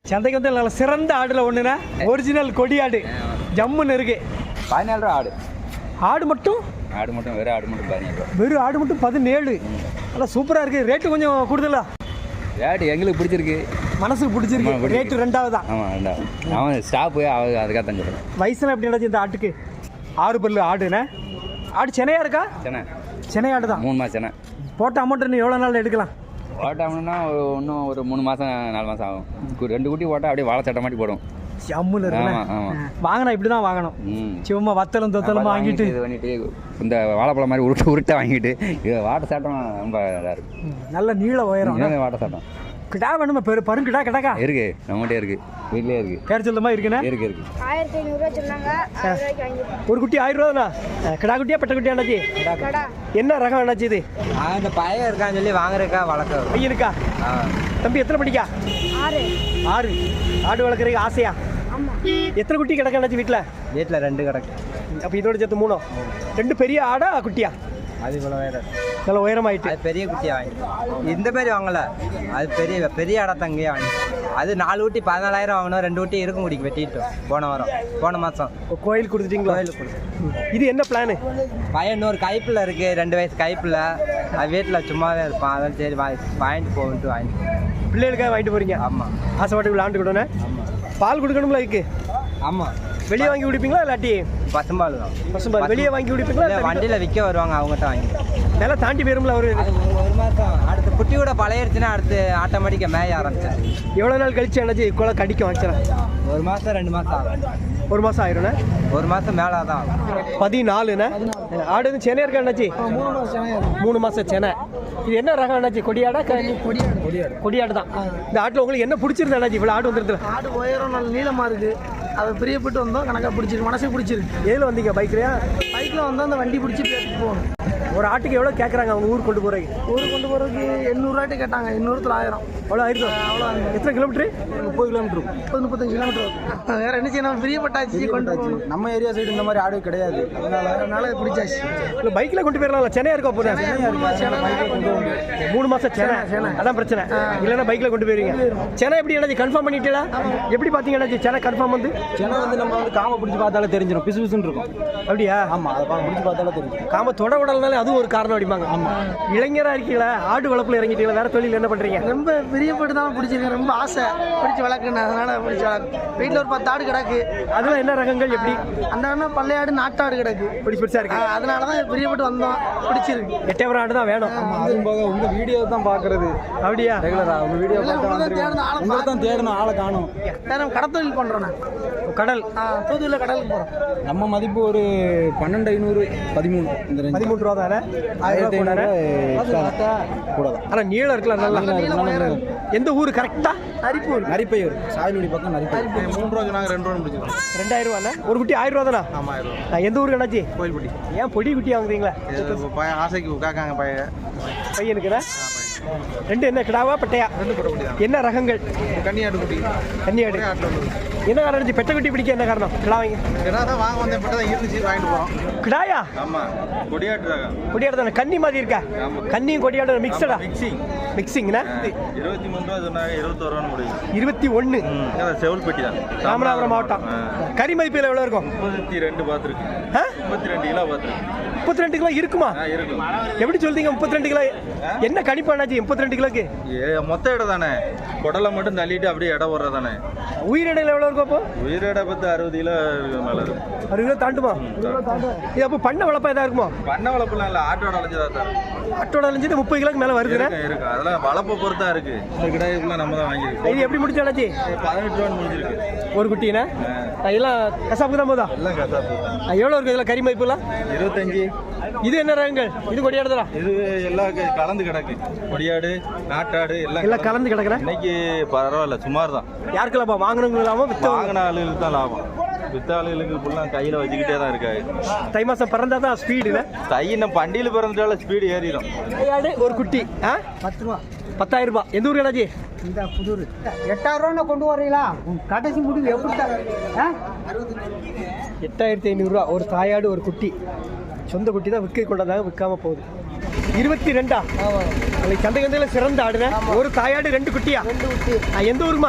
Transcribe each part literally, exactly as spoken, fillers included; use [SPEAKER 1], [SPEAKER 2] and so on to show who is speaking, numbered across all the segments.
[SPEAKER 1] சந்தைக்கு வந்து நல்ல சிறந்த ஆடுல ஒண்ணுனா ஒரிஜினல் கொடி ஆடு ஜம்முன்னு இருக்கு.
[SPEAKER 2] பதினாலு ரூபா ஆடு.
[SPEAKER 1] ஆடு மட்டும்
[SPEAKER 2] ஆடு மட்டும் வெறும் ஆடு மட்டும் பதினேழு ரூபா.
[SPEAKER 1] வெறும் ஆடு மட்டும் பதினேழு. நல்லா சூப்பரா இருக்கு. ரேட்டு கொஞ்சம் கூடுதலா?
[SPEAKER 2] ரேட்டு எங்களுக்கு பிடிச்சிருக்கு,
[SPEAKER 1] மனசுக்கு பிடிச்சிருக்கு. ரேட்டு ரெண்டாவது தான்.
[SPEAKER 2] ஆமாம் ரெண்டாவது. அவன் ஸ்டாப்பு அவ அதுக்காக தான் சொல்கிறேன்.
[SPEAKER 1] வயசுல எப்படி நடந்துச்சு இந்த ஆட்டுக்கு? ஆறு பல்லு ஆடுண்ணே. ஆடு சென்னையா இருக்கா?
[SPEAKER 2] சென்னை
[SPEAKER 1] சென்னை ஆடு தான்.
[SPEAKER 2] மூணு மாதம் சென்னை.
[SPEAKER 1] போட்ட அமௌண்ட் இன்னும் எவ்வளோ நாள் எடுக்கலாம்?
[SPEAKER 2] ஓட்டாமன்னா இன்னும் ஒரு மூணு மாதம் நாலு மாதம் ஆகும். ரெண்டு குட்டி போட்டால் அப்படியே வாழை சட்டை மாட்டி போடும்.
[SPEAKER 1] ஜம்முன்னு இருக்கு. வாங்கினா இப்படி தான் வாங்கணும். சும்மா வத்தலும் தொத்தலும் வாங்கிட்டு
[SPEAKER 2] இது பண்ணிட்டு இந்த வாழைப்பழம் மாதிரி உருட்டு உருட்டை வாங்கிட்டு இது வாட்டை சாட்டம் ரொம்ப இதாக இருக்கு. நல்ல
[SPEAKER 1] நீள உயரம்
[SPEAKER 2] வாட்டை சாட்டம்.
[SPEAKER 1] கிடா வேணுமா? பெரு பருங்கிடா கிடக்கா
[SPEAKER 2] இருக்கு, நம்மகிட்டே இருக்கு, வீட்லேயே இருக்கு.
[SPEAKER 1] பேர் சொல்லுமா இருக்குண்ணே?
[SPEAKER 2] இருக்கு இருக்கு.
[SPEAKER 3] ஆயிரத்தி ஐநூறுரூவா சொன்னாங்க.
[SPEAKER 1] ஒரு குட்டி ஆயிரம் ரூபா தானா? கிடா குட்டியா பெட்ட குட்டியா அண்ணாச்சி? என்ன ரகம் அண்ணாச்சி இது?
[SPEAKER 4] இந்த பையன் இருக்கான்னு சொல்லி வாங்குறக்கா வளர்க்க
[SPEAKER 1] பையனுக்கா? தம்பி எத்தனை படிக்கா?
[SPEAKER 3] ஆறு.
[SPEAKER 1] ஆறு. ஆடு வளர்க்குறதுக்கு ஆசையா? எத்தனை குட்டி கிடக்கு அண்ணாச்சி வீட்டில்?
[SPEAKER 4] வீட்டில் ரெண்டு கிடக்கு.
[SPEAKER 1] அப்போ இதோட சேர்த்து மூணோ? ரெண்டு பெரிய ஆடா குட்டியா?
[SPEAKER 4] அது இவ்வளோ உயரம்,
[SPEAKER 1] நல்ல உயரமாயிட்டு.
[SPEAKER 4] அது பெரிய குட்டியாக வாங்கிட்டு இந்த மாதிரி வாங்கலை, அது பெரிய பெரிய இடத்த அங்கேயே வாங்கிட்டு. அது நாலு ஊட்டி பதினாலாயிரம் வாங்கணும். ரெண்டு ஊட்டி இருக்கும் குடிக்கு வெட்டிட்டோம் போன வாரம், போன மாதம்.
[SPEAKER 1] கோயில் கொடுத்துட்டீங்களா?
[SPEAKER 4] கோயிலுக்கு கொடுத்து.
[SPEAKER 1] இது என்ன பிளானு?
[SPEAKER 4] பையன் இன்னொரு கைப்பில் இருக்குது, ரெண்டு வயசு கைப்பில். அது வீட்டில் சும்மாவே இருப்பான். அதான் சரி வா வாங்கிட்டு போகன்ட்டு வாங்கிட்டு.
[SPEAKER 1] பிள்ளைகளுக்காக வாங்கிட்டு போகிறீங்க?
[SPEAKER 4] ஆமாம்.
[SPEAKER 1] ஆசைப்பாட்டு விளாண்டுக்கிட்டோன்னே.
[SPEAKER 4] ஆமாம்.
[SPEAKER 1] பால் கொடுக்கணும்ல இதுக்கு?
[SPEAKER 4] ஆமாம்.
[SPEAKER 1] வெளியே வாங்கி குடிப்பீங்களா இல்லாட்டி?
[SPEAKER 4] பசும்பால் தான்.
[SPEAKER 1] பசும்பால் வெளியே வாங்கி குடிப்பீங்களா?
[SPEAKER 4] வண்டியில் விற்க வருவாங்க, அவங்ககிட்ட வாங்கி.
[SPEAKER 1] நல்லா தாண்டி போயிரும்ல அவரு?
[SPEAKER 4] ஒரு மாதம் அடுத்து குட்டி கூட பழையிருச்சுன்னா அடுத்து ஆட்டோமேட்டிக்காக மேய ஆரம்பிச்சேன்.
[SPEAKER 1] எவ்வளோ நாள் கழிச்சு என்னாச்சு கொலை கடிக்கும் வச்சுறேன்?
[SPEAKER 4] ஒரு மாதம் ரெண்டு மாதம் ஆகும்.
[SPEAKER 1] ஒரு மாதம் ஆயிரும்ண்ணே.
[SPEAKER 4] ஒரு மாதம் மேலே தான்.
[SPEAKER 1] பதினாலுண்ணே. ஆடு வந்து சென்னை இருக்கா அண்ணாச்சி? மூணு மாதம் சென்னை. இது என்ன ரகம் அண்ணாச்சி? கொடியாடா?
[SPEAKER 5] கொடியாடு. கொடியாடு
[SPEAKER 1] கொடியாடு தான். இந்த ஆட்டில் உங்களுக்கு என்ன பிடிச்சிருந்தா அண்ணாச்சி? இவ்வளோ ஆடு வந்துருது.
[SPEAKER 5] ஆடு உயரம் நல்ல நீளமாக இருக்குது. அதை பிரியப்பட்டு வந்தோம், கணக்காக பிடிச்சிருக்கு, மனசுக்கு பிடிச்சிருக்கு.
[SPEAKER 1] ஏதில் வந்தீங்க? பைக்லையா?
[SPEAKER 5] பைக்கில் வந்தால் அந்த வண்டி பிடிச்சி பேசிட்டு போகணும்.
[SPEAKER 1] ஒரு ஆட்டுக்கு எவ்வளோ கேட்குறாங்க அவங்க ஊருக்கு கொண்டு போகிறீங்க?
[SPEAKER 5] ஊருக்கு கொண்டு போகிறதுக்கு எண்ணூறுவாட்டி கேட்டாங்க. எண்ணூறு ஆயிரம்
[SPEAKER 1] அவ்வளோ ஆயிடுச்சு. அவ்வளோ. எத்தனை கிலோமீட்டரு?
[SPEAKER 5] முப்பது கிலோமீட்டர் முப்பது முப்பத்தஞ்சு கிலோமீட்டர். வேற என்ன செய்யணும்? பிரியப்பட்டாச்சு கொண்டு போகணும்.
[SPEAKER 4] நம்ம ஏரியா சைடு இந்த மாதிரி ஆடு கிடையாது,
[SPEAKER 5] அதனால அதனால பிடிச்சாச்சு.
[SPEAKER 1] இல்லை பைக்கில் கொண்டு போயிடலாம்ல? சென்னையா இருக்கா போகிறேன்? மூணு மாதம் சென்னை. அதான் பிரச்சனை. இல்லைன்னா பைக்கில் கொண்டு போயிருவீங்க. சென்னை எப்படி என்னாச்சு கன்ஃபார்ம் பண்ணிட்டீங்களா? எப்படி பார்த்தீங்கன்னா சென்னை கன்ஃபார்ம் வந்து?
[SPEAKER 4] சென்னை வந்து நம்ம வந்து காம பிடிச்சி பார்த்தாலே தெரிஞ்சிடும், பிசு பிசுன்னு இருக்கும்.
[SPEAKER 1] அப்படியா?
[SPEAKER 4] ஆமாம், அதை பிடிச்சி பார்த்தாலே தெரியும்.
[SPEAKER 1] காம தொட உடல்னாலே அதுவும் ஒரு காரணம் அடிப்பாங்க. ஆமாம். இளைஞராக இருக்கீங்களா? ஆடு வளர்ப்பில் இறங்கிட்டீங்களா? வேற தொழில் என்ன பண்ணுறீங்க?
[SPEAKER 5] ரொம்ப பிரியப்பட்டு தான் பிடிச்சிருக்கேன். ரொம்ப ஆசை பிடிச்சி வளர்க்கணும், அதனால பிடிச்சி வளர்க்கு. வீட்டில் ஒரு பத்து ஆடு கிடக்கு.
[SPEAKER 1] அதெல்லாம் என்ன ரகங்கள்? எப்படி?
[SPEAKER 5] அந்த அண்ணன் பள்ளையாடு நாட்டாடு கிடக்கு.
[SPEAKER 1] பிடிச்சி பிடிச்சா இருக்கு.
[SPEAKER 5] அதனால தான் பிரியப்பட்டு வந்தோம், பிடிச்சிருக்கு.
[SPEAKER 1] எட்டயபுரம் ஆடு தான் வேணும்.
[SPEAKER 4] அதுவும் போக உங்கள் வீடியோ தான் பார்க்குறது.
[SPEAKER 1] அப்படியா?
[SPEAKER 4] ரெகுலரா உங்கள் வீடியோ உங்களை தான் தேடணும், ஆளை காணும்.
[SPEAKER 5] நேரம் கடத்தொழில் பண்ணுறோம். நான்
[SPEAKER 1] கடல்
[SPEAKER 5] தூத்துக்குடியில் கடலுக்கு போகிறோம்.
[SPEAKER 4] நம்ம மதிப்பு ஒரு பன்னெண்டு ஐநூறு பதிமூணு இந்த
[SPEAKER 1] பதிமூணு ரூபா தானே? ஆயிரத்தி ஐநூறு
[SPEAKER 4] கூட தான்.
[SPEAKER 1] ஆனால் நீளம் இருக்கலாம் நல்லா. எந்த ஊர் கரெக்டா?
[SPEAKER 5] நரிப்பூர்.
[SPEAKER 4] நரிப்பையூர் சாயல்குடி பக்கம் நரிப்பையூர்.
[SPEAKER 6] மூணு ரூபா நாங்கள் ரெண்டு ரூபா முடிச்சிருக்கோம்.
[SPEAKER 1] ரெண்டாயிரம் ரூபாண்ணா ஒரு குட்டி? ஆயிரம் ரூபா தானா?
[SPEAKER 6] ஆமாம், ஆயிரம் ரூபா.
[SPEAKER 1] எந்த ஊருக்கு அண்ணாச்சி?
[SPEAKER 6] கோயில்பட்டி.
[SPEAKER 1] ஏன் பொடி குட்டியாக வாங்குறீங்களா?
[SPEAKER 6] பையன் ஆசைக்கு காக்காங்க பையன்
[SPEAKER 1] பையனுக்குண்ணா. ரெண்டு என்ன கிடாவா பட்டையா?
[SPEAKER 6] ரெண்டு போட முடியாது.
[SPEAKER 1] என்ன ரகங்கள்?
[SPEAKER 6] கன்னியாடு குட்டி.
[SPEAKER 1] கன்னியாடு. என்ன காரணம் இருந்துச்சு பெட்ட குட்டி பிடிக்க? என்ன காரணம்? கிடா வாங்க
[SPEAKER 6] ஏன்னா தான் வாங்க வந்தேன், பட்டு தான் இருந்துச்சு, வாங்கிட்டு போகிறோம்.
[SPEAKER 1] கிடாயா?
[SPEAKER 6] ஆமாம், கொடியாட்டு ரகம்.
[SPEAKER 1] கொடியாடு தானே? கன்னி மாதிரி இருக்கா? கன்னியும் கொடியாடு மிக்சடா?
[SPEAKER 6] மிக்சிங்.
[SPEAKER 1] மிக்சிங்ண்ணா.
[SPEAKER 6] இருபத்தி மூணு ரூபா சொன்னாங்க, இருபத்தோரு ரூபான்னு முடியும்.
[SPEAKER 1] இருபத்தி ஒன்று.
[SPEAKER 6] செவல்பட்டி தான்,
[SPEAKER 1] ராமநாதபுரம் மாவட்டம். கறி மதிப்பில் எவ்வளோ இருக்கும்?
[SPEAKER 6] முப்பத்தி ரெண்டு பார்த்துருக்கு. முப்பத்தி ரெண்டு கிலோ பார்த்துருக்கு.
[SPEAKER 1] முப்பத்தி ரெண்டு கிலோ இருக்குமா?
[SPEAKER 6] இருக்கும்.
[SPEAKER 1] எப்படி சொல்றீங்க முப்பத்தி ரெண்டு கிலோ? என்ன கணிப்பானாச்சு முப்பத்தி ரெண்டு கிலோக்கு?
[SPEAKER 6] ஏ மொத்த இடம் தானே, குடலை மட்டும் தள்ளிட்டு அப்படியே இடம் வர்ற தானே.
[SPEAKER 1] உயிரிடையில் எவ்வளோ இருக்கும் அப்போ?
[SPEAKER 6] உயிரிட பத்து அறுபது கிலோ மேலே இருக்கும்.
[SPEAKER 1] அறுபது கிலோ தாண்டுமா? இது அப்போ பண்ண வளர்ப்பா எதாவது இருக்குமா?
[SPEAKER 6] பண்ண வளர்ப்புலாம் இல்லை, ஆட்டோட அலைஞ்சதா சார்.
[SPEAKER 1] ஆட்டோட அலைஞ்சது முப்பது கிலோக்கு மேலே வருதுண்ணே.
[SPEAKER 6] இருக்கு, அதெல்லாம் வளர்ப்பை பொறுத்தா இருக்கு. இந்த கிடாய்க்குள்ள நம்ம தான் வாங்கியிருக்கோம்.
[SPEAKER 1] இது எப்படி முடிச்சாச்சு?
[SPEAKER 6] பதினெட்டு ரூபான்னு முடிஞ்சிருக்கு
[SPEAKER 1] ஒரு குட்டினா. எல்லாம் கசாப்புக்கு தான் போதா?
[SPEAKER 6] எல்லாம் கசாப்பு.
[SPEAKER 1] எவ்வளோ இருக்கு இதில் கறி மதிப்புலாம்?
[SPEAKER 6] இருபத்தஞ்சு.
[SPEAKER 1] இது என்ன ரகங்கள்? இது கொடியாடுதா?
[SPEAKER 6] இது எல்லாம் கலந்து கிடக்கு. கொடியாடு நாட்டாடு எல்லாம்
[SPEAKER 1] எல்லாம் கலந்து கிடக்குறேன்.
[SPEAKER 6] இன்னைக்கு பரவாயில்ல, சுமார் தான்.
[SPEAKER 1] யாருக்குலாமா? வாங்கினவங்க இல்லாமல் வித்த
[SPEAKER 6] வாங்கின ஆளுகளுக்கு தான் லாபம். வித்த ஆளுகளுக்கு ஃபுல்லாக கையில் வச்சுக்கிட்டே தான் இருக்காது.
[SPEAKER 1] தை மாதம் பிறந்தா தான் ஸ்பீடு.
[SPEAKER 6] தை நம்ம பண்டியில் பிறந்துட்டால ஸ்பீடு ஏறிடும்.
[SPEAKER 1] கொடியாடு ஒரு குட்டி ஆ
[SPEAKER 5] பத்து ரூபா.
[SPEAKER 1] பத்தாயிரம் ரூபாய். எந்த ஊர் என்னாச்சு?
[SPEAKER 5] இந்த புதூர். எட்டாயிரம் ரூபா கொண்டு வரீங்களா? கடைசி முடிவு எப்படி தான்?
[SPEAKER 1] எட்டாயிரத்தி ஐநூறுரூவா ஒரு தாயாடு ஒரு குட்டி. சொந்த குட்டி தான் விற்க கொண்டதாக விற்காம போகுது. இருபத்தி ரெண்டா? சந்தை சந்தையில் சிறந்த ஆடுங்க. ஒரு தாயாடு ரெண்டு குட்டியா?
[SPEAKER 5] ரெண்டு குட்டி.
[SPEAKER 1] எந்த ஊருமா?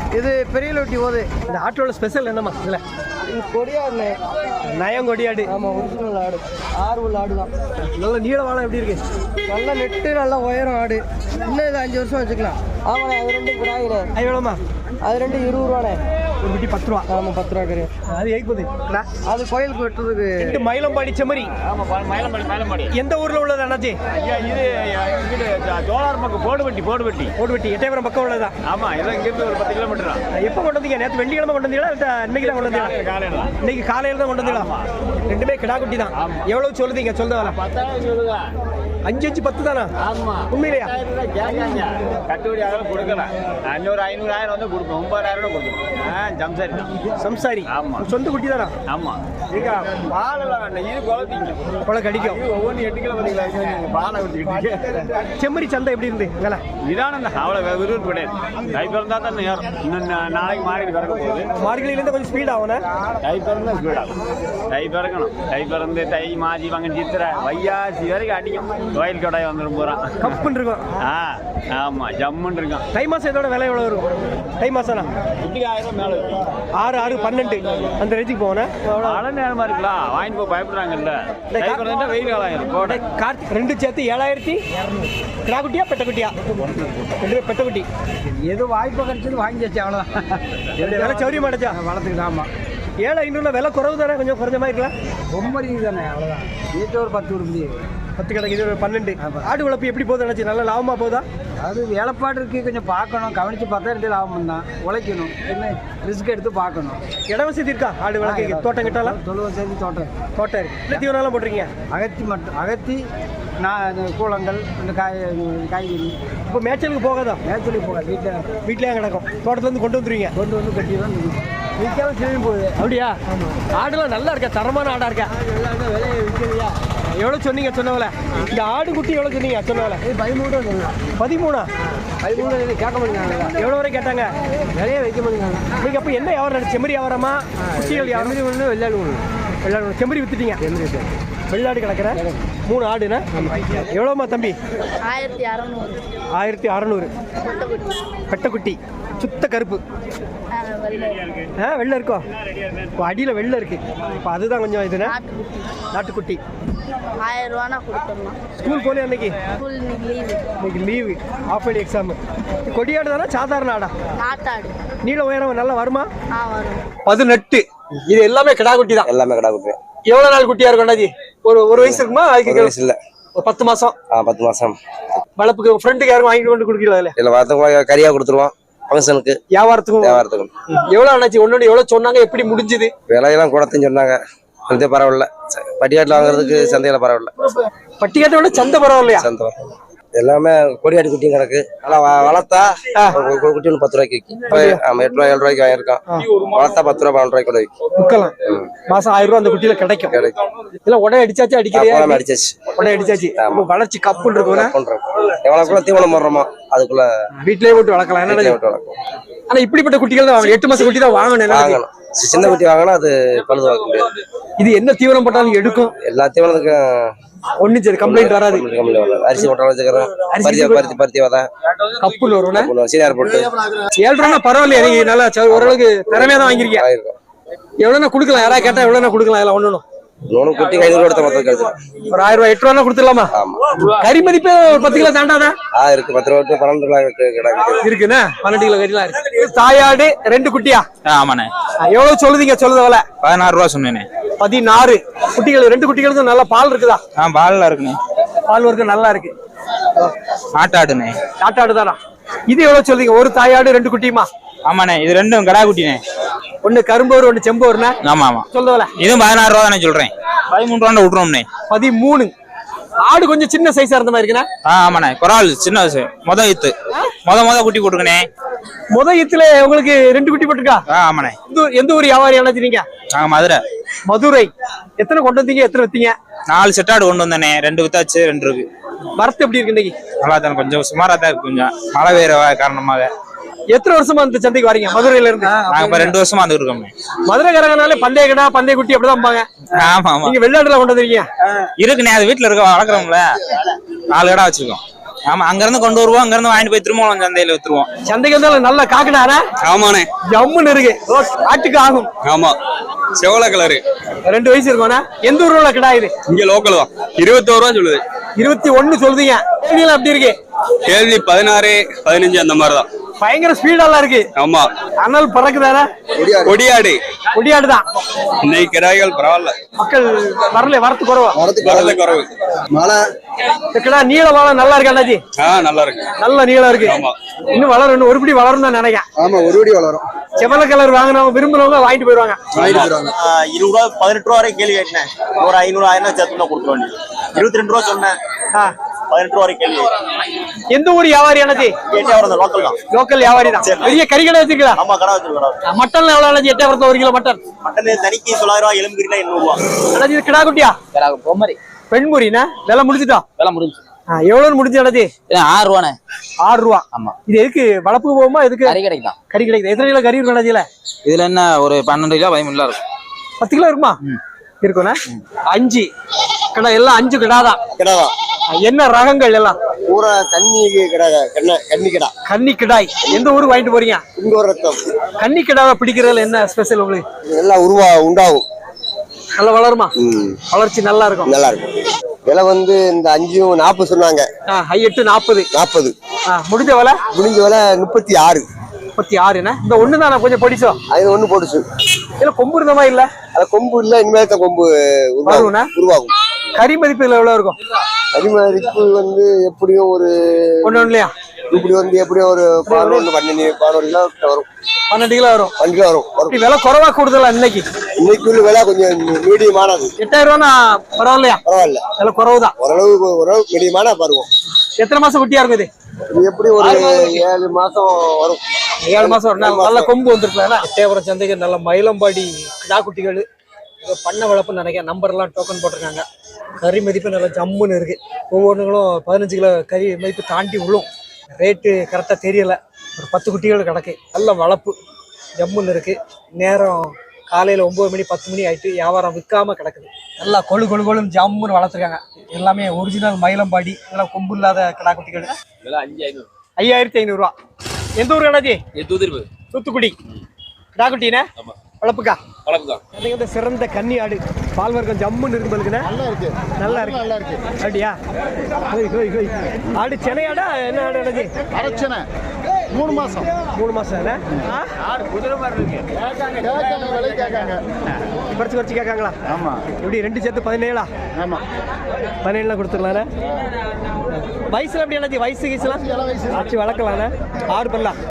[SPEAKER 5] இது பெரிய லொட்டி போகுது.
[SPEAKER 1] இந்த ஆட்டோட ஸ்பெஷல் என்னம்மா இதில்?
[SPEAKER 5] இது கொடியாடுண்ணே.
[SPEAKER 1] நயம் கொடியாடு.
[SPEAKER 5] ஆமாம், ஒரிஜினல் ஆடு. ஆறு உள்ள ஆடு தான்.
[SPEAKER 1] நல்ல நீள வாழை எப்படி இருக்கு?
[SPEAKER 5] நல்லா நெட்டு, நல்லா உயரம் ஆடு. இன்னும் இது அஞ்சு வருஷம் வச்சுக்கலாம். ஆமாண்ணே, அது ரெண்டு கிடாயிண்ணே.
[SPEAKER 1] அது எவ்வளோமா?
[SPEAKER 5] அது ரெண்டு இருபது ரூபாண்ணே.
[SPEAKER 1] ஒரு குட்டி பத்து ரூபா.
[SPEAKER 5] ஆமாம், பத்து ரூபா கிடையாது.
[SPEAKER 1] அது எயிப்பது.
[SPEAKER 5] அது கோயிலுக்கு வெட்டுறதுக்கு.
[SPEAKER 1] ரெண்டு மயிலம்பாடி செம்மறி.
[SPEAKER 3] மயிலம்பாடி மயிலம்பாடி.
[SPEAKER 1] எந்த ஊரில் உள்ளது அண்ணாச்சி?
[SPEAKER 3] ஐயா இது இங்கிட்டு ஜோலார் பக்கம் போடுவெட்டி போடுவெட்டி.
[SPEAKER 1] ஓடுவெட்டி எட்டயபுரம் பக்கம் உள்ளதா?
[SPEAKER 3] ஆமா, இதெல்லாம் இங்கிருந்து ஒரு பத்து கிலோமீட்டர் தான்.
[SPEAKER 1] எப்போ கொண்டு வந்தீங்க? நேற்று வெள்ளிக்கிழமை கொண்டு வந்தீங்களா இல்லை இன்னைக்கு தான் கொண்டு வந்தீங்களா?
[SPEAKER 3] காலையில தான்.
[SPEAKER 1] இன்னைக்கு காலையில் தான் கொண்டு வந்தீங்களா? ரெண்டுமே கிடா குட்டி தான். எவ்வளவு சொல்லுதீங்க? சொல்லுங்க வரல.
[SPEAKER 3] பத்தாயிரம் சொல்லுங்க.
[SPEAKER 1] அஞ்சு அஞ்சு பத்து தானா?
[SPEAKER 3] ஆமா,
[SPEAKER 1] உண்மையிலையா?
[SPEAKER 3] கேட்காங்க. கட்டுப்படி ஆகலாம் கொடுக்கல. அஞ்சூறு ஐநூறாயிரம் வந்து கொடுப்போம். ஒன்பதாயிரம் கொடுப்போம். ஜம்சாரி தான்.
[SPEAKER 1] சம்சாரி.
[SPEAKER 3] ஆமா.
[SPEAKER 1] சொந்த குட்டி தானா?
[SPEAKER 3] ஆமா. நீங்க பாலெல்லாம் வேண்டாம். இது குளத்தீங்க.
[SPEAKER 1] கொலை கடிக்கும்.
[SPEAKER 3] ஒவ்வொன்று எட்டு கிலோ பார்த்தீங்களா? பாலை ஊற்றிக்கிட்டு.
[SPEAKER 1] செம்மறி சந்தை எப்படி இருந்து? வேலை
[SPEAKER 3] இதான அவ்வளோ விருப்பம் கிடையாது. தை பிறந்தா தான் நேரம். இன்னும் நாளைக்கு மாறிட்டு பிறக்க போகுது.
[SPEAKER 1] மார்கழியிலேருந்து கொஞ்சம் ஸ்பீட் ஆகும்னா?
[SPEAKER 3] தை பிறந்தா ஸ்பீட் ஆகும். தை பிறக்கணும். தை பிறந்து தை மாசி வாங்க சித்திரை வையாசி வரைக்கும் அடிக்கும். கோயில் கடாய் வந்துடும் போகிறான்.
[SPEAKER 1] கப்புன்னு இருக்கும்.
[SPEAKER 3] ஆ ஆமாம், ஜம்முன்னு இருக்கும்.
[SPEAKER 1] தை மாதம் இதோட விலை எவ்வளோ வரும்? தை மாதம்னா
[SPEAKER 3] குட்டிக்கு ஆயிரம் மேலே இருக்கும்.
[SPEAKER 1] ஆறு ஆறு பன்னெண்டு அந்த ரேஞ்சுக்கு போனேன்.
[SPEAKER 3] மழை நேரமாக இருக்கலாம். வாங்கிட்டு போய் பயப்படுறாங்கல்ல. தை பிறந்துட்டா வெயில் காலம் ஆயிரும். கோடை
[SPEAKER 1] கார்த்திக் ரெண்டு சேர்த்து ஏழாயிரத்தி. கிடா குட்டியா பெட்டக்குட்டியா? ரெண்டு பெட்டக்குட்டி.
[SPEAKER 4] எது வாய்ப்பு கிடைச்சது வாங்கி வச்சு அவ்வளோதான்.
[SPEAKER 1] விலை சௌரியமா அடைச்சா
[SPEAKER 4] வளர்த்துக்கிட்டு. ஆமாம்,
[SPEAKER 1] ஏழை ஐநூறுல விலை குறவு தானே? கொஞ்சம் குறைஞ்ச மாதிரி இருக்கலாம்.
[SPEAKER 4] ரொம்ப ரீதி தானே, அவ்வளோதான். வீட்டு ஒரு பத்து உருப்படி.
[SPEAKER 1] பத்து கிடக்கு, இது ஒரு பன்னெண்டு. ஆடு வளர்ப்பு எப்படி போகுது நினச்சி? நல்லா லாபமா போகுதா?
[SPEAKER 4] அது வேலைப்பாடு இருக்குது, கொஞ்சம் பார்க்கணும், கவனித்து பார்த்தா எடுத்து லாபம் தான். உழைக்கணும், என்ன ரிஸ்க் எடுத்து பார்க்கணும்.
[SPEAKER 1] இட வசதி இருக்கா ஆடு வளர்க்க? தோட்டம் கிட்டாலாம்?
[SPEAKER 4] தொழுவ சேர்ந்து தோட்டம்
[SPEAKER 1] தோட்டம் இருக்கு. இல்லை தீவனம்லாம் போட்டிருக்கீங்க?
[SPEAKER 4] அகத்தி மட்டும் அகத்தி நான் கூழங்கள் இந்த காய் காய்கறி.
[SPEAKER 1] இப்போ மேய்ச்சலுக்கு போகாதா?
[SPEAKER 4] மேய்ச்சலுக்கு போகாது, வீட்டில்
[SPEAKER 1] வீட்டிலேயே கிடக்கும். தோட்டத்துலேருந்து கொண்டு வந்துருவீங்க?
[SPEAKER 4] கொண்டு வந்து கட்டி தான் விற்காம திரும்பி போகுது.
[SPEAKER 1] அப்படியா? ஆடுலாம் நல்லா இருக்கா? தரமான ஆடா இருக்கா?
[SPEAKER 4] நல்லா இருந்தால் விலையை விற்கலையா?
[SPEAKER 1] எவ்வளோ சொன்னீங்க சொன்னவல? இந்த ஆடு குட்டி எவ்வளோ சொன்னீங்க சொன்னவல?
[SPEAKER 4] இது பதிமூணு ரூபா சொன்னேன்.
[SPEAKER 1] பதிமூணா?
[SPEAKER 4] பதிமூணு இது கேட்க மாட்டேங்காங்க.
[SPEAKER 1] எவ்வளோ வரை கேட்டாங்க?
[SPEAKER 4] விலையை வைக்க மாட்டேங்காங்க.
[SPEAKER 1] நீங்கள் அப்போ என்ன வியாபாரம் நடந்துச்சு? செம்மறி வியாபாரமா? குட்டிகள் வியாபாரம்?
[SPEAKER 4] செம்மறி ஒன்று வெள்ளாடு ஒன்று.
[SPEAKER 1] வெள்ளாடு செம்மறி வித்துட்டீங்க?
[SPEAKER 4] செம்மறி
[SPEAKER 1] வெள்ளாடு கிடக்குற மூணு ஆடுண்ணா. எவ்வளோம்மா தம்பி?
[SPEAKER 7] ஆயிரத்தி அறநூறு.
[SPEAKER 1] ஆயிரத்தி அறநூறு. பெட்டக்குட்டி சுத்த கருப்பு. ஆ வெள்ளை இருக்கோ? இப்போ அடியில் வெள்ளை இருக்கு. இப்போ அதுதான் கொஞ்சம் இதுண்ணா நாட்டுக்குட்டி.
[SPEAKER 7] ஆயிரம் ரூபானா கொடுத்துடலாம்.
[SPEAKER 1] ஸ்கூல் போலே அன்னைக்கு?
[SPEAKER 7] ஸ்கூல் இன்னைக்கு லீவு.
[SPEAKER 1] இன்னைக்கு லீவு, ஆஃப் இயர்லி எக்ஸாமு. கொடியாடு தானே சாதாரண ஆடா?
[SPEAKER 7] நாட்டாடு.
[SPEAKER 1] நீல உயரம் நல்லா வருமா?
[SPEAKER 7] ஆ வரும்.
[SPEAKER 1] பதினெட்டு. இது எல்லாமே கிடா குட்டி தான்?
[SPEAKER 8] எல்லாமே கடா குட்டி.
[SPEAKER 1] எவ்வளோ நாள் குட்டியா இருக்கும் அண்ணாஜி? ஒரு ஒரு வயசு இருக்குமா? அதுக்கு
[SPEAKER 8] வயசு இல்லை,
[SPEAKER 1] ஒரு பத்து மாசம்.
[SPEAKER 8] ஆ பத்து மாசம்.
[SPEAKER 1] வளர்ப்புக்கு ஃப்ரெண்டுக்கு யாரும் வாங்கிட்டு கொண்டு கொடுக்கல? அதில்
[SPEAKER 8] இல்லை, வரத்துக்கு கறியா கொடுத்துருவோம். ஃபங்க்ஷனுக்கு
[SPEAKER 1] வியாபாரத்துக்கும்
[SPEAKER 8] வியாபாரத்துக்கும்.
[SPEAKER 1] எவ்வளோ அண்ணாச்சி ஒன்று எவ்வளோ சொன்னாங்க? எப்படி முடிஞ்சுது?
[SPEAKER 8] விலையெல்லாம் கூடத்துன்னு சொன்னாங்க. சந்தை பரவாயில்ல. பட்டியாட்டில் வாங்குறதுக்கு சந்தையில் பரவாயில்ல.
[SPEAKER 1] பட்டிக்காட்டை விட சந்தை பரவாயில்லையா?
[SPEAKER 8] சந்தை பரவாயில்ல. எல்லாமே கொடியாடி குட்டியும் கிடக்கு. நல்லா வளர்த்தா ஒரு குட்டி ஒன்று பத்து ரூபாய்க்கு விற்கும். ஆமா, எட்டு ரூபாய் ஏழு ரூபாய்க்கு வாங்கியிருக்கோம். வளர்த்தா பத்து ரூபா பன்னெண்டு ரூபாய்க்கு கூட விற்கும்.
[SPEAKER 1] விற்கலாம். மாசம் ஆயிரம் ரூபாய் அந்த குட்டியில கிடைக்கும்.
[SPEAKER 8] கிடைக்கும்.
[SPEAKER 1] இல்லை உடனே அடிச்சாச்சு? அடிக்கிறியா?
[SPEAKER 8] அடிச்சாச்சு.
[SPEAKER 1] உடனே அடிச்சாச்சு. வளர்ச்சி கப்புன்னு இருக்கும்.
[SPEAKER 8] எவ்வளோக்குள்ள தீவனம் போடுறோமோ அதுக்குள்ள
[SPEAKER 1] வீட்டிலேயே போட்டு வளர்க்கலாம். என்ன
[SPEAKER 8] வளர்க்கும்.
[SPEAKER 1] ஆனா இப்படிப்பட்ட குட்டிகள் தான் வாங்கணும். எட்டு மாசம் குட்டி தான் வாங்கணும்.
[SPEAKER 8] வாங்கணும். சின்ன குட்டி வாங்கினா அது பழுது வாங்க முடியாது.
[SPEAKER 1] இது என்ன தீவனம் போட்டாலும் எடுக்கும்?
[SPEAKER 8] எல்லா தீவனத்துக்கும்
[SPEAKER 1] ஒன்னும் சரி கம்ப்ளைண்ட் வராது.
[SPEAKER 8] அரிசி போட்டாலும் வச்சுக்கிறோம். பருத்தி பருத்தி பருத்தி வதா
[SPEAKER 1] கப்புன்னு வரும்.
[SPEAKER 8] சீனியார் போட்டு
[SPEAKER 1] ஏழு ரூபா பரவாயில்லையா? நீங்க நல்லா ஓரளவுக்கு திறமையா தான் வாங்கிருக்கீங்க. எவ்வளவுனா கொடுக்கலாம்? யாராவது கேட்டா எவ்வளவுனா கொடுக்கலாம்? எல்லாம் ஒண்ணு
[SPEAKER 8] நூறு குட்டி ஐநூறு கொடுத்த மொத்தம் கிடைச்சிடும்.
[SPEAKER 1] ஒரு ஆயிரம் ரூபாய் எட்டு ரூபா கொடுத்துடலாமா? கறி மதிப்பு ஒரு பத்து கிலோ தாண்டாதா?
[SPEAKER 8] ஆ இருக்கு. பத்து ரூபா பன்னெண்டு ரூபாய் கிடக்கு.
[SPEAKER 1] இருக்குண்ணா. பன்னெண்டு கிலோ கறிலாம் இருக்கு. தாயாடு ரெண்டு குட்டியா?
[SPEAKER 9] ஆமாண்ணே.
[SPEAKER 1] எவ்வளவு சொல்லுதீங்க? சொல்லுதவல
[SPEAKER 9] பதினாறு ரூபா சொன்னேனே.
[SPEAKER 1] பதினாறு. குட்டிகள் ரெண்டு குட்டிகளுக்கும் நல்லா பால் இருக்குதா?
[SPEAKER 9] ஆ பால்ல இருக்குண்ணே.
[SPEAKER 1] பால் வர்க்கம் நல்லா இருக்கு.
[SPEAKER 9] ஆட்டாடுண்ணே.
[SPEAKER 1] ஆட்டாடு தானா? இது எவ்வளவு சொல்றீங்க? ஒரு தாயாடு ரெண்டு குட்டியுமா?
[SPEAKER 9] ஆமாண்ணே, இது ரெண்டும் கடா குட்டினே.
[SPEAKER 1] ஒண்ணு கரும்போர் ஒண்ணு செம்போர்னா?
[SPEAKER 9] ஆமா ஆமா.
[SPEAKER 1] சொல்லுவல
[SPEAKER 9] இதுவும் பதினாறு ரூபா தானே சொல்றேன். பதிமூணு ரூபா விட்டுருவோம்ண்ணே.
[SPEAKER 1] பதிமூணு. ஆடு கொஞ்சம் சின்ன சைஸா இருந்த மாதிரி இருக்குண்ணா?
[SPEAKER 9] ஆ ஆமாண்ணே. குறால் சின்ன மொத ஈத்து மொத மொத குட்டி போட்டுக்கணே.
[SPEAKER 1] முத ஈத்துல உங்களுக்கு ரெண்டு குட்டி போட்டுருக்கா?
[SPEAKER 9] ஆ ஆமாண்ணே.
[SPEAKER 1] எந்த ஊர் வியாபாரி அணைச்சிருங்க?
[SPEAKER 9] நாங்க மதுரை.
[SPEAKER 1] மதுரை. எத்தனை கொண்டு வந்தீங்க? எத்தனை வித்தீங்க?
[SPEAKER 9] நாலு செட்டாடு கொண்டு வந்தேனே. ரெண்டு வித்தாச்சு, ரெண்டு இருக்கு.
[SPEAKER 1] வரத்து எப்படி இருக்கு இன்னைக்கு?
[SPEAKER 9] நல்லா தானே, கொஞ்சம் சுமாரா தான் இருக்கு. கொஞ்சம் மழை பெய்யற காரணமாக.
[SPEAKER 1] எத்தனை வருஷமா இந்த சந்தைக்கு வரீங்க மதுரையில இருந்து?
[SPEAKER 9] நாங்க இப்ப ரெண்டு வருஷமா வந்து இருக்கோம்.
[SPEAKER 1] மதுரைக்காரங்கனாலே பந்தய கடா பந்தய குட்டி அப்படிதான் பாங்க.
[SPEAKER 9] ஆமா ஆமா.
[SPEAKER 1] நீங்க வெள்ளாடுல கொண்டு வந்தீங்க?
[SPEAKER 9] இருக்குண்ணே, அது வீட்டுல இருக்க வளர்க்குறோம்ல. நாலு கடை வச்சிருக்கோம். ஆமா அங்க இருந்து கொண்டு வருவோம், அங்க இருந்து வாங்கிட்டு போய் திரும்ப சந்தையில வித்துருவோம்.
[SPEAKER 1] சந்தைக்கு வந்தாலும் நல்ல காக்கடாரா
[SPEAKER 9] ஆமாண்ணே,
[SPEAKER 1] ஜம்முன்னு இருக்கு. ஆட்டுக்கு ஆகும்.
[SPEAKER 9] ஆமா செவல கலரு,
[SPEAKER 1] ரெண்டு வயசு இருக்கும்னா. எந்த ஊர்ல கிடா இது?
[SPEAKER 9] இங்க லோக்கல் தான். இருபத்தோரு ரூபா சொல்லுது.
[SPEAKER 1] இருபத்தி ஒண்ணு சொல்றீங்க. கேள்வியெல்லாம் எப்படி இருக்கு?
[SPEAKER 9] கேள்வி பதினாறு பதினஞ்சு அந்த மாதிரிதான்.
[SPEAKER 1] பயங்கர ஸ்பீடெல்லாம் இருக்கு.
[SPEAKER 9] ஆமா
[SPEAKER 1] அனல் பறக்குதானே?
[SPEAKER 9] கொடியாடு
[SPEAKER 1] கொடியாடு தான்.
[SPEAKER 9] இன்னைக்கு கிடாய்கள் பரவாயில்ல,
[SPEAKER 1] மக்கள் வரல, வரத்து குறவா?
[SPEAKER 9] வரது குறவு.
[SPEAKER 8] மழை
[SPEAKER 1] கிடா நீள வாழம் நல்லா இருக்கு அண்ணாச்சி.
[SPEAKER 9] ஆ நல்லா இருக்கு,
[SPEAKER 1] நல்ல நீளம் இருக்கு.
[SPEAKER 9] ஆமா
[SPEAKER 1] இன்னும் வளரும், இன்னும் ஒருபடி வளரும் தான் நினைக்கிறேன்.
[SPEAKER 8] ஆமா ஒரு படி வளரும்.
[SPEAKER 1] செவல கலர் வாங்கினவங்க விரும்புறவங்க வாங்கிட்டு போயிருவாங்க.
[SPEAKER 8] வாங்கிட்டு போயிருவாங்க.
[SPEAKER 3] இருபது ரூபா பதினெட்டு ரூபா வரைக்கும் கேள்வி கேட்டேன். ஒரு ஐநூறு ஆயிரம் சேர்த்து தான் கொடுத்துட வேண்டியது. இருபத்தி ரெண்டு ரூபா சொன்னேன், பதினெட்டு ரூபா வரைக்கும் கேள்வி.
[SPEAKER 1] எந்த ஊர் வியாபாரி அண்ணாச்சி?
[SPEAKER 3] எட்டாவது லோக்கல் தான்.
[SPEAKER 1] லோக்கல் வியாபாரி தான். பெரிய கறி கடை வச்சிருக்கா?
[SPEAKER 3] ஆமா கடை வச்சிருக்கிறோம்.
[SPEAKER 1] மட்டன் எவ்வளவு அண்ணாச்சி? எட்டாயிரத்து ஒரு கிலோ மட்டன்.
[SPEAKER 3] மட்டன் தனிக்கு தொள்ளாயிரம் ரூபா, எலும்பு கிலோ எண்ணூறு ரூபா.
[SPEAKER 1] அண்ணாச்சி இது கிடா குட்டியா?
[SPEAKER 4] பொம்மரி
[SPEAKER 1] பெண்முறினா விலை முடிச்சுட்டா?
[SPEAKER 4] வேலை முடிஞ்சு.
[SPEAKER 1] எவ்வளவு முடிஞ்சு அண்ணாச்சி?
[SPEAKER 4] ஆறு ரூபாண்ணே.
[SPEAKER 1] ஆறு ரூபா.
[SPEAKER 4] ஆமா.
[SPEAKER 1] இது எதுக்கு வளர்ப்புக்கு போகுமா? எதுக்கு?
[SPEAKER 4] கறி கடைக்கு தான்.
[SPEAKER 1] கறி கிடைக்குது. எத்தனை கிலோ கறி இருக்கும் அண்ணாச்சியில?
[SPEAKER 4] இதுல என்ன ஒரு பன்னெண்டு கிலோ பதிமூணு கிலோ இருக்கும்.
[SPEAKER 1] பத்து கிலோ இருக்குமா? இருக்குண்ணா. அஞ்சு கடை எல்லாம் அஞ்சு கிடாதான்.
[SPEAKER 8] கிடாதான்.
[SPEAKER 1] என்ன ரகங்கள் எல்லாம்?
[SPEAKER 8] பூரா கன்னி கிடா, கன்னி கிடா.
[SPEAKER 1] கன்னி கிடாய். எந்த ஊருக்கு வாங்கிட்டு போறீங்க?
[SPEAKER 8] இங்க ஒரு ரத்தம்.
[SPEAKER 1] கன்னி கிடாவை பிடிக்கிறதுல என்ன ஸ்பெஷல் உங்களுக்கு?
[SPEAKER 8] எல்லாம் உருவா உண்டாகும்.
[SPEAKER 1] நல்லா வளருமா? வளர்ச்சி நல்லா இருக்கும்.
[SPEAKER 8] நல்லா இருக்கும். விலை வந்து இந்த அஞ்சும் நாற்பது சொன்னாங்க.
[SPEAKER 1] ஹை எட்டு நாற்பது.
[SPEAKER 8] நாற்பது
[SPEAKER 1] முடிஞ்ச விலை?
[SPEAKER 8] முடிஞ்ச விலை முப்பத்தி ஆறு.
[SPEAKER 1] முப்பத்தி ஆறுண்ணா. இந்த ஒண்ணு தான் கொஞ்சம் பொடிச்சோ.
[SPEAKER 8] அது ஒண்ணு போட்டுச்சு.
[SPEAKER 1] இல்ல கொம்பு இருந்த மாதிரி இல்ல.
[SPEAKER 8] அது கொம்பு இல்ல, இனிமேல் தான் கொம்பு உருவாகும். உருவாகும்.
[SPEAKER 1] கறி மதிப்பு இதுல எவ்வளவு இருக்கும்?
[SPEAKER 8] கறி மதிப்பு வந்து எப்படியும் ஒரு
[SPEAKER 1] ஒண்ணு ஒண்ணுலயா?
[SPEAKER 8] இப்படி வந்து எப்படியும் ஒரு பதினொன்று பன்னெண்டு பதினோரு கிலோ வரும்.
[SPEAKER 1] பன்னெண்டு கிலோ வரும்.
[SPEAKER 8] பன்னெண்டு கிலோ வரும்.
[SPEAKER 1] இப்படி விலை குறைவா கூடுதலா இன்னைக்கு?
[SPEAKER 8] இன்னைக்கு உள்ள விலை கொஞ்சம் மீடியமானது.
[SPEAKER 1] எட்டாயிரம் ரூபானா பரவாயில்லையா?
[SPEAKER 8] பரவாயில்ல,
[SPEAKER 1] விலை குறவுதான்.
[SPEAKER 8] ஓரளவு ஓரளவு மீடியமான பருவம்.
[SPEAKER 1] எத்தனை மாசம் குட்டியா இருக்கும் இது?
[SPEAKER 8] இது எப்படி ஒரு ஏழு மாசம் வரும்.
[SPEAKER 1] ஏழு மாசம் வரும். நல்ல கொம்பு வந்துருக்கலாம். எட்டயபுரம் சந்தைக்கு நல்ல மயிலம்பாடி கிடா குட்டிகள் பண்ண வளர்ப்புன்னு நினைக்கிறேன். நம்பர் எல்லாம் டோக்கன் போட்டிருக்காங்க. கறி மதிப்பு நல்லா ஜம்முன்னு இருக்கு. ஒவ்வொன்றுங்களும் பதினஞ்சு கிலோ கறி மதிப்பு தாண்டி விழும். ரேட்டு கரெக்டாக தெரியல. ஒரு பத்து குட்டிகள் கிடக்கு. நல்ல வளர்ப்பு ஜம்முன்னு இருக்கு. நேரம் காலையில் ஒம்பது மணி பத்து மணி ஆயிட்டு வியாபாரம் விற்காம கிடக்குது. நல்லா கொழு கொழு கொழுன்னு ஜம்முன்னு வளர்த்துருக்காங்க. எல்லாமே ஒரிஜினல் மயிலம்பாடி. நல்லா கொம்பு இல்லாத கிடா குட்டிகள். ஐயாயிரத்தி ஐநூறுரூவா. எந்த ஊர் கடாச்சி? தூத்துக்குடி. கிடா குட்டினே வளர்ப்புக்கா? வளர்ப்புக்கா. சிறந்த கன்னி ஆடு. பால் வர்க்கம் ஜம்முன்னு இருக்கு. பல்குண்ணே நல்லா இருக்கு. நல்லா இருக்கு. நல்லா இருக்கு. அப்படியா? ஹோய் ஹோய் ஹோய். ஆடு சென்னையாடா? என்ன ஆடு அண்ணாச்சி? அரச்சனை. மூணு மாசம். மூணு மாசம் ஆடு குதிரை மாதிரி இருக்கு. குறைச்சி குறைச்சி கேட்காங்களா? ஆமா. எப்படி ரெண்டு சேர்த்து பதினேழா? ஆமா. பதினேழுலாம் கொடுத்துடலாண்ணே. வயசுல எப்படி அண்ணாச்சி? வயசு வயசுலாம் வச்சு வளர்க்கலாண்ணே. ஆடு பண்ணலாம்.